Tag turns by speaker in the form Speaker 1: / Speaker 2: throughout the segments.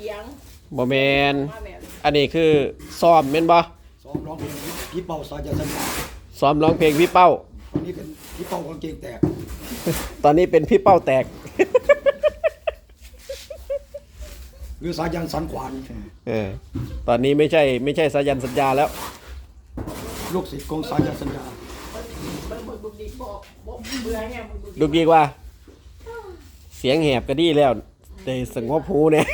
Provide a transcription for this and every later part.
Speaker 1: สียง
Speaker 2: บ่แมนอันนี้คือซ้อมแม่นบ่
Speaker 3: ซ้อมร้องเพลงพี่เป้าสายันสัญญา
Speaker 2: ซ้อมร้องเพลงพี่เป้า
Speaker 3: ตอนนี้เป็นพี่เป้ากางเกงแตก
Speaker 2: ตอนนี้เป็นพี่เป้าแตก
Speaker 3: หรือสายันสันขวาน
Speaker 2: ตอนนี้ไม่ใช่สายันสัญญาแล้ว
Speaker 3: ลูกศิษย์ของสายันสัญญา
Speaker 2: ดูดีกว่าเสียงแหบก็ดีแล้วแต่สงบหูเนี่ย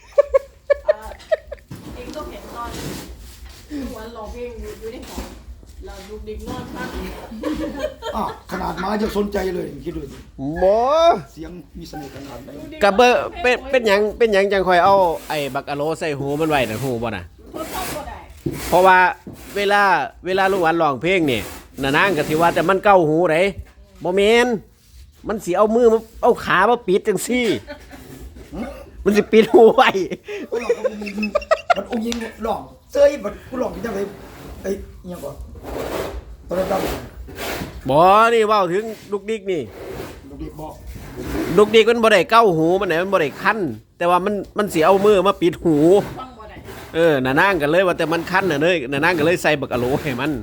Speaker 1: เองก็เห็นตอนวันร้องเพลงอยู่ในห้องเราดูดิกนอนพัก
Speaker 3: ขนาดม้าจะสนใจเลยคิดดูสิ
Speaker 2: หมอ
Speaker 3: เสียงมีเสน่ห์ขนาดไหน
Speaker 2: กับเบอร์เป็นหยังจังคอยเอาไอ้บักอะโลใส่หูมันไว้น่ะหูบ่น่ะเพราะว่าเวลาลุงหวานร้องเพลงนี่น่ะนางก็สิว่าแต่มันเก้าหูไดบ่แม่นมันสิเอามือเอาขามาปิดจังซี่มันสิปิดหูไว้
Speaker 3: มันองยิงหลอกเซยมันกูหลอกที่จะไปไอ้ยังก่อนตอนนั้น
Speaker 2: บ่นี่เว้าถึงลูกดิกนี่
Speaker 3: ลูกดิกบ่
Speaker 2: ลูกดิกมันบ่ได้เก้าหูมันไหนมันบ่ได้คันแต่ว่ามันสิเอามือมาปิดหูน่ะนางก็เลยว่าแต่มันคันน่ะเด้น่ะนางก็เลยใส่บักอะโหลให้มัน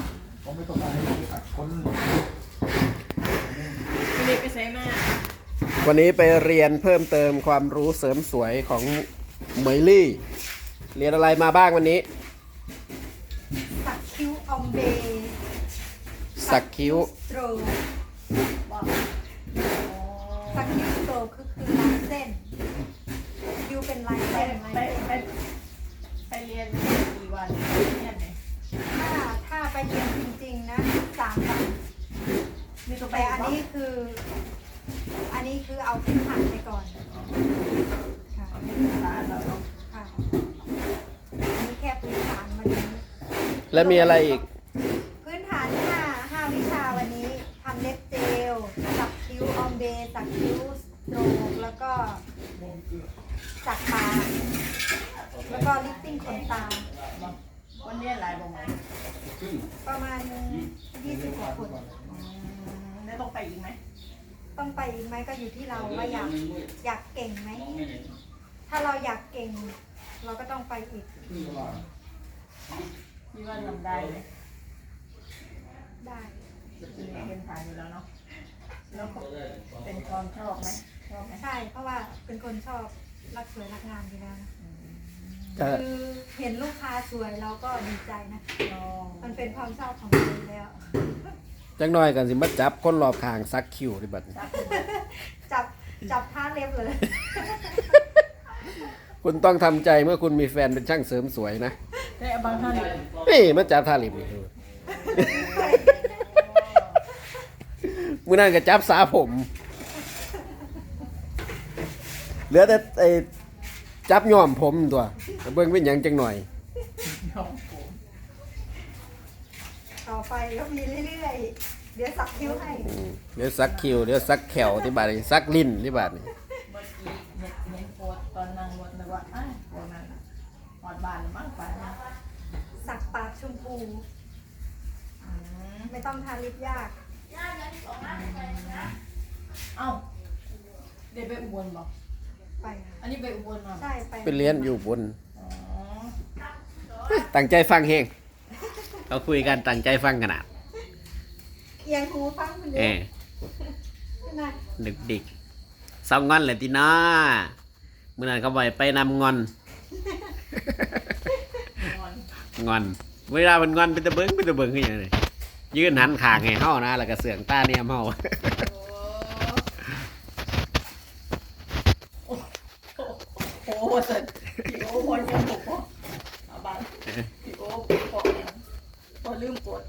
Speaker 2: วันนี้ไปเรียนเพิ่มเติมความรู้เสริมสวยของเหมยลี่เรียนอะไรมาบ้างวันนี้
Speaker 4: สักคิ้วอมเบ
Speaker 2: สักคิ้ว
Speaker 4: สโตรสักคิ้วสโตรคือลายเส้นคิ้วเป็นลายเส้น
Speaker 1: ไปเรียนกี่วันเรียนไหน
Speaker 4: ถ้าไปเรียนจริงๆนะ3 วันแต่อันนี้คือเอาพื้นฐานไปก่อนค่ะค่ะอันนี้แค่พื้นฐานวันนี้
Speaker 2: แล้วมีอะไรอีก
Speaker 4: พื้นฐาน5 วิชาวันนี้ทำเล็บเจลสักคิ้วออมเบสักคิ้วสโตรกแล้วก็สักปากแล้วก็ลิปปิ้งขนตา
Speaker 1: วันนี้หลายบ่ไหม
Speaker 4: ประมาณ20 กว่าคน
Speaker 1: แล้วต้องไปอีกไหม
Speaker 4: ต้องไปอีกไหมก็อยู่ที่เราว่าอยากเก่งไหมถ้าเราอยากเก่งเราก็ต้องไปอีก
Speaker 1: มีว่าทำได้ไหม
Speaker 4: ได้
Speaker 1: เป็นฐานอยู่แล้วเนาะแล้วเป็นความชอบไหม
Speaker 4: ใช่เพราะว่าเป็นคนชอบรักสวยรักงามอยู่แล้วคือเห็นลูกค้าสวยเราก็ดีใจนะมันเป็นความชอบของเราแล้ว
Speaker 2: จังน้อยกันสิมาจับคนรอบข้างซักคิ้วดิบัด
Speaker 4: จับท่าเล็บเลย
Speaker 2: คุณต้องทำใจเมื่อคุณมีแฟนเป็นช่างเสริมสวยนะ
Speaker 1: ได้บางท่าน
Speaker 2: นี่มาจับท่าลิบนี่มื้อนั้นก็จับสาผมเหลือแต่ไอ้จับย้อมผมตัวเบิ่งเป็นหยังจังหน่อย
Speaker 4: ต่อไปก็มีเรื่อยๆเดี๋ยวสักคิ้วให้
Speaker 2: เดี๋ยวสักคิ้วเดี๋ยวสักแขวที่บาดนี้สักลิ้นที่บาดนี้
Speaker 1: เมื่อกี้เห็นโพสตอนนั่งรถนึกว่าโพสนั้นหอดบานมากไป
Speaker 4: สักปากชมพูไม่ต้องทาลิปยาก
Speaker 1: เอ้าเดี๋ยวไปอุบลบอก
Speaker 4: ไป
Speaker 1: อันนี้ไปอุบลมา
Speaker 4: ใช่
Speaker 2: ไปเรียนอยู่บนตั้งใจฟังเฮงเขาคุยกันตั้งใจฟังขนาด
Speaker 4: เอียงหูฟังคนเดียว
Speaker 2: ดึกดิกสองงอนเลยทีน้าเมื่อนั้นเขาไปนำงอนงอนเวลามันงอนเป็นตะเบิ้งขึ้นอย่างนี้ยืนหันขางให้เฮานะแล้วก็เสืองตาเนี่ยเฮา
Speaker 1: โอ้โหสัตว์พี่โอ้พอยังบอกว่าบ้านพี่โอ้พอลืมกด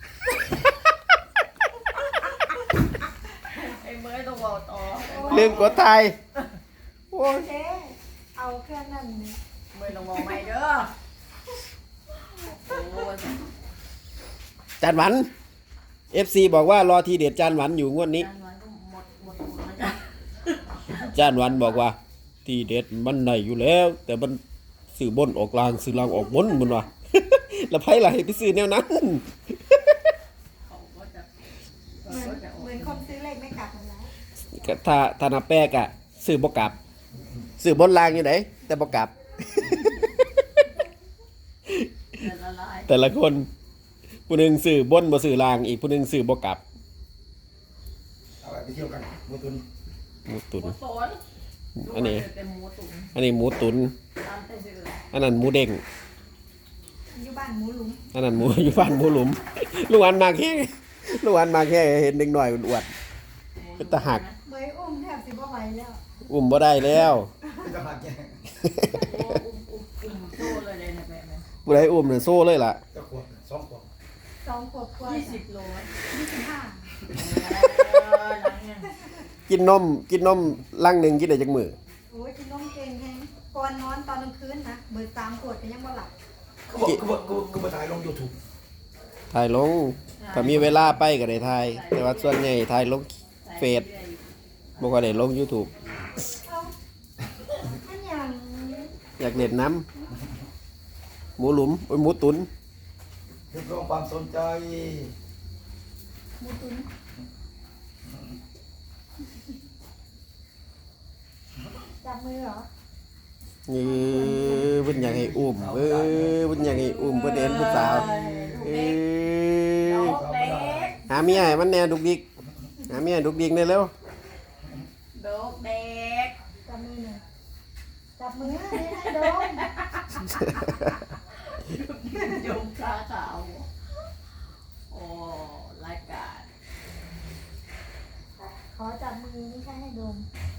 Speaker 1: ไอ้เมื่อต้องบอกต่อ
Speaker 2: ลืมกดไทย
Speaker 4: โอเคเอาแค่นั้นเนี่ย
Speaker 1: เมื่อต้องบอกใหม่เด้อ
Speaker 2: จานหวัน FC บอกว่ารอทีเด็ดจานหวันอยู่งวดนี้จานหวันบอกว่าทีเด็ดมันไหนอยู่แล้วแต่มันสื่อบนออกลางสื่อลางออกบนมันว่ะแล้วไพ่ไหลไปซื้อแนวนั้น
Speaker 4: เหมือนคนซื้อเลขไม่กลับนั่นแหละ
Speaker 2: ถ้านับแป้กอะซื้อบ่กลับซื้อบนรางอยู่ไหนแต่บ่กลับ
Speaker 1: แต่ละลาย
Speaker 2: แต่ละคนผู้หนึงซื้อบนบ่ซื้อรางอีกผู้หนึงซื้อบ่กลับ
Speaker 3: เอาไปเที่ยวกันมือตุน
Speaker 2: หมูตุ๋น
Speaker 1: หมูตุ๋น
Speaker 2: อันนี้
Speaker 1: เป็นหมูตุ๋น
Speaker 2: อันนี้หมูตุ๋น
Speaker 1: ตามแต่ชื่อ
Speaker 2: อันนั้นหมูเด้ง
Speaker 4: อยู่บ้านหมูหลุม
Speaker 2: อันนั้นหมู อยู่บ้านหมูหลุมลูกอันมาแค่ลูกอันมาแค่เห็นเด็กหน่อยอ้วนๆเป็นตาหัก
Speaker 4: เบยอุ้มแทบสิบ่ไหวแล้ว
Speaker 2: อุ้มบ่ได้แล้ว
Speaker 3: ไม่ต้องหาแก
Speaker 1: โอ้อุ้มโซ่เลยเลยนะแบบนี้
Speaker 2: ผู้ใดอุ้มเนี่ยโซ่เลยล่ะ
Speaker 3: จะขวบ2 ขวบ
Speaker 4: 2 ขวบกว่า
Speaker 1: 20 โล
Speaker 4: 25
Speaker 1: หลังเนี่ย
Speaker 2: กินนมลังหนึงกินได้จักมื้อ
Speaker 4: โอ้ยกินนมเก่งแฮงก่อนนอนตอนกลางคืนนะเบิด3 ขวดก็ยังบ่หลับ
Speaker 3: กูมาถ่ายลง YouTube
Speaker 2: ถ่ายลงถ้ามีเวลาไปก็ได้ถ่ายแต่ว่าส่วนใหญ่ถ่ายลงเฟซบ่ค่อยได้ลง YouTube
Speaker 4: เอาอันหยัง
Speaker 2: อยากเล่นน้ำหมูหลุมโอ้ยหมูตุ๋น
Speaker 3: เรียกร้องความสนใจ
Speaker 4: หมูตุ๋นจับมือเหรอ
Speaker 2: นี่เพิ่นอยากให้อุ้มเพิ่นอยากให้อุ้มเพิ่นเห็นผู้สาวเอ
Speaker 1: โด
Speaker 2: อก
Speaker 1: เด็ก
Speaker 2: หาเมียให้มันแหน่ดุกดิกหาเมียให้ดุกดิกได้เร็ว
Speaker 1: โดกเด็ก
Speaker 4: จับมือหน่อยจับมือให้โดม
Speaker 1: ยมขาขาวโอ้รายการ
Speaker 4: ขอจับมือไม่ใช่ให้โดม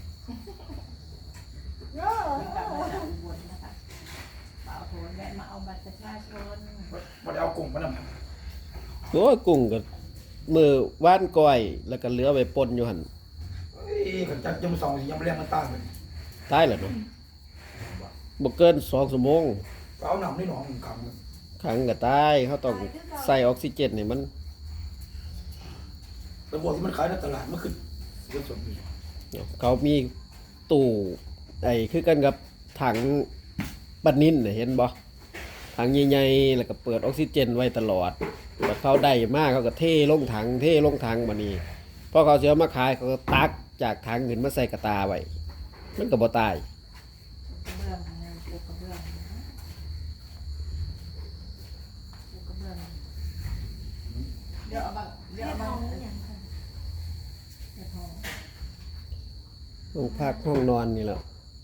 Speaker 4: โย่
Speaker 1: กลับมาจากอุบลนะคะเปล่าโทนแวะมาเอาบัตรประชาชน
Speaker 3: มาเอากุ้งมานำ
Speaker 2: โอ้ยกุ้งก็มือว่านก้อยแล้วก็เหลือไว้ป่นอยู่หั่น
Speaker 3: ขันจัดยม2ยังไม่เรียกมันตั้งเลย
Speaker 2: ตายแล้วเนาะบ่เกิน2ชั่วโมง
Speaker 3: เอาหนำนี่หนองขัง
Speaker 2: ขังก็ตายเขาต้องใส่ออกซิเจนให้มัน
Speaker 3: แต่พวกที่มันขายในตลาดมันคือเยอะสุดนี่
Speaker 2: เขามีตู้ไอ้คือกันกับถังปันนินน่ะเห็นบ่ถังใหญ่ๆแล้วก็เปิดออกซิเจนไว้ตลอดแต่เขาได้มากเขาก็เทลงถังบัดนี้พอเขาสิเอามาขายเขาก็ตักจากถังขึ้นมาใส่กระตาไว้มันก็บ่ตาย
Speaker 1: กระเบื้องนะปูกระเบื้องนะปูกระเบื้องเดี๋ยวเอาบังเดี๋ยว
Speaker 4: เรีย
Speaker 1: เอา
Speaker 4: ก
Speaker 1: บั
Speaker 4: น้อง งอย่างค่ะ
Speaker 1: เดี๋ยวพอ
Speaker 2: ห้องพักห้องนอนนี่แหละ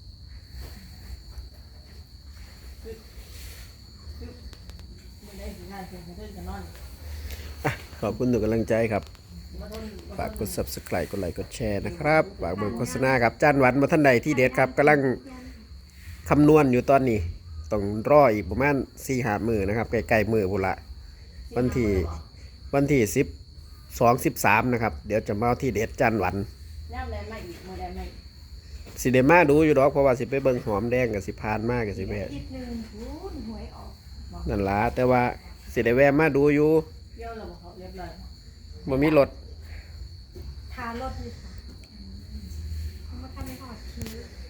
Speaker 1: มันได้ถึงงานเสร็จเพื่อนกันนอน
Speaker 2: ขอบคุณทุกกำลังใจครับ
Speaker 1: มาทน
Speaker 2: ฝากกด subscribe กดไลค์กดแชร์นะครับฝากเบิ่งโฆษณาครับจานหวันมาท่านใดที่เด็ดครับกำลังคำนวณอยู่ตอนนี้ต้องรออีกประมาณ4-5 มื้อนะครับใกล้ๆมื้อพุ่นละวันที่12-13นะครับเดี๋ยวจะมาเอาที่เด็ดจานหวัน
Speaker 1: ย่ำแรงไม่อีกมือแรงไม่
Speaker 2: สิได้มาดูอยู่ดอกเพราะว่าสิไปเบิ่งหอมแดงกับสิพานมากกับสิแวะ
Speaker 4: อาทิตย์หนึ่งหูนหวยออก
Speaker 2: นั่นล่ะแต่ว่าสิได้แวะมาดูอยู่
Speaker 1: เยี่ยวเราบอกเขาเรียบร้อย
Speaker 2: บ่มีรถ
Speaker 4: ทารถอยู่ค่ะเขามาทำในหอดคิ้ว